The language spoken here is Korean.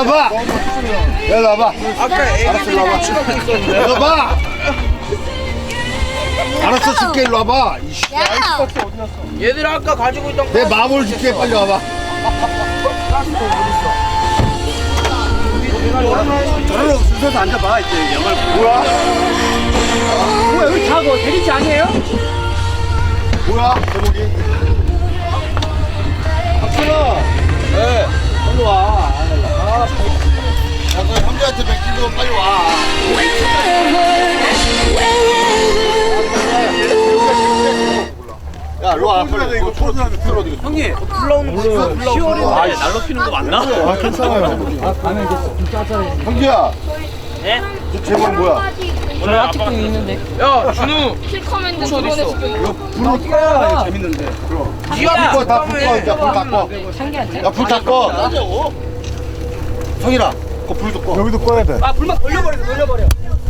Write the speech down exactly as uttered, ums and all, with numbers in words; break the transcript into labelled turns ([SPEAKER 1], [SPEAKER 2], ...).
[SPEAKER 1] 와봐. 일로 와봐.
[SPEAKER 2] 아까 애기들이
[SPEAKER 1] 와봐.
[SPEAKER 2] 치고 있었는데.
[SPEAKER 1] 일로 와봐. 알았어, 줄게. 일로 와봐. 이씨.
[SPEAKER 2] 얘들 아까 가지고 있던
[SPEAKER 1] 내 마음을 줄게. 빨리 와봐.
[SPEAKER 3] 저런 순서서 앉아봐 이제 영화를 보고.
[SPEAKER 1] 뭐야?
[SPEAKER 3] 뭐야 여기 다 뭐 대리지 아니에요?
[SPEAKER 1] 뭐야? 제목이? 박준아.
[SPEAKER 3] 네. 빨리 와. 아,
[SPEAKER 1] 야, 너 형제한테 맡기고 빨리 와. 야, 일로 와. 빨리. 이거 초등학교 들어.
[SPEAKER 3] 형님
[SPEAKER 2] 불러오는 거
[SPEAKER 3] 시월인데 날로 피는 거 맞나?
[SPEAKER 1] 아, 괜찮아요. 아, 가면 이제 좀 짜짜해. 형제야.
[SPEAKER 2] 네?
[SPEAKER 1] 저 제목 뭐야?
[SPEAKER 2] 저희 아빠 있는데. 야 준우.
[SPEAKER 4] 필커맨드
[SPEAKER 2] 어디 있어?
[SPEAKER 1] 불을 꺼야 재밌는데. 그럼.
[SPEAKER 2] 니가
[SPEAKER 1] 불 꺼, 다 불 꺼. 이제 불 다 꺼. 야, 불 다 꺼. 성일아, 그불 좀 꺼. 여기도 꺼야 돼.
[SPEAKER 3] 아 불만 돌려버려 돌려버려.